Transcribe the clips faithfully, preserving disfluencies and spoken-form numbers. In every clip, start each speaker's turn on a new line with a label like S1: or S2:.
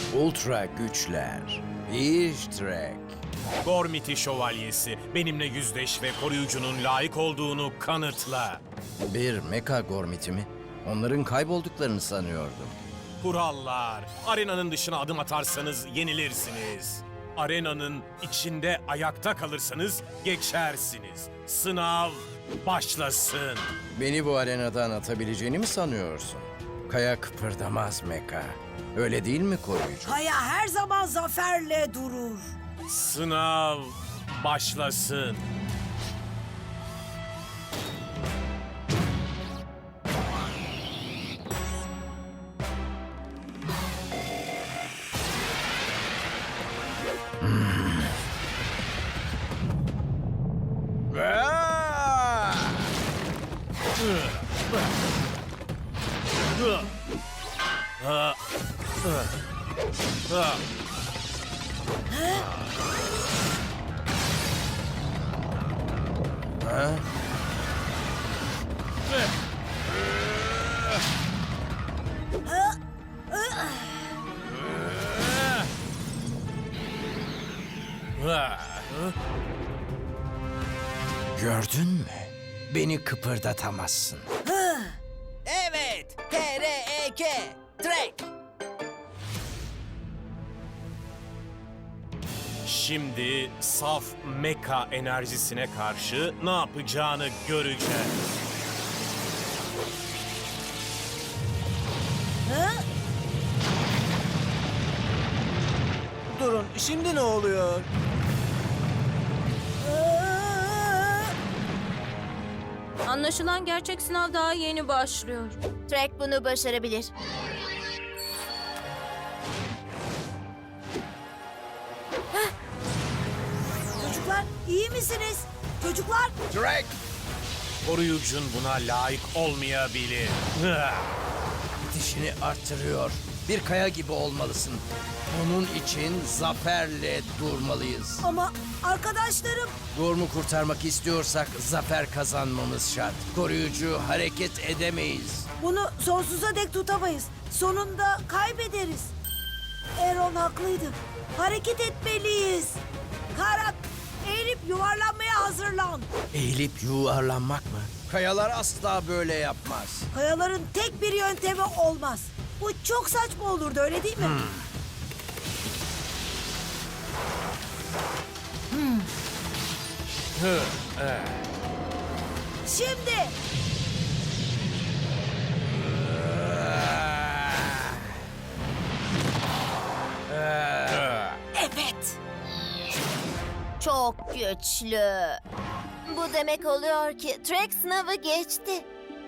S1: Ultra güçler. Ishtrek.
S2: Gormiti şövalyesi, benimle yüzleş ve koruyucunun layık olduğunu kanıtla.
S1: Bir Mecha Gormiti mi? Onların kaybolduklarını sanıyordum.
S2: Kurallar. Arenanın dışına adım atarsanız yenilirsiniz. Arenanın içinde ayakta kalırsanız geçersiniz. Sınav başlasın.
S1: Beni bu arenadan atabileceğini mi sanıyorsun? Kaya kıpırdamaz Mecha. Öyle değil mi koruyucu?
S3: Kaya her zaman zaferle durur.
S2: Sınav başlasın.
S1: Aa! Ha? Gördün mü? Beni kıpırdatamazsın.
S4: Evet, T R E K, Trek.
S2: Şimdi saf mecha enerjisine karşı ne yapacağını göreceğiz.
S4: Durun, şimdi ne oluyor?
S5: Anlaşılan gerçek sınav daha yeni başlıyor.
S6: Trek bunu başarabilir.
S3: Çocuklar iyi misiniz? Çocuklar
S1: Drake!
S2: Koruyucun buna layık olmayabilir.
S1: Dişini arttırıyor. Bir kaya gibi olmalısın. Onun için zaferle durmalıyız.
S3: ama arkadaşlarım
S1: Gorm'u kurtarmak istiyorsak zafer kazanmamız şart. Koruyucu hareket edemeyiz.
S3: bunu sonsuza dek tutamayız. Sonunda kaybederiz. Aaron haklıydı. Hareket etmeliyiz. Karak eğilip yuvarlanmaya hazırlan.
S1: Eğilip yuvarlanmak mı? Kayalar asla böyle yapmaz.
S3: Kayaların tek bir yöntemi olmaz. Bu çok saçma olurdu öyle değil mi? Şimdi evet.
S6: Çok güçlü. Bu demek oluyor ki Trek sınavı geçti.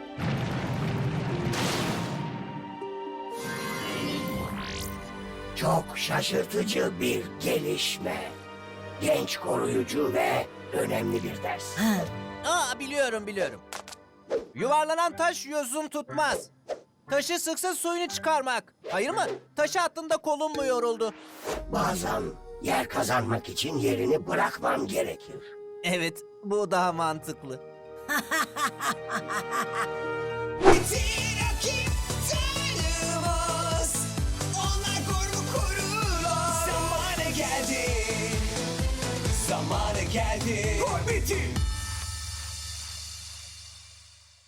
S7: Çok şaşırtıcı bir gelişme. Genç koruyucu ve önemli bir ders.
S4: Aa, biliyorum biliyorum. Yuvarlanan taş yosun tutmaz. Taşı sıksa suyunu çıkarmak. Hayır mı? Taşı attığında kolun mu yoruldu?
S7: Bazen yer kazanmak için yerini bırakman gerekir.
S4: Evet, bu daha mantıklı.
S8: Bütün rakip tanımaz. Onlar Gorm'u korurlar. Zamanı geldi. Zamanı geldi. Gormiti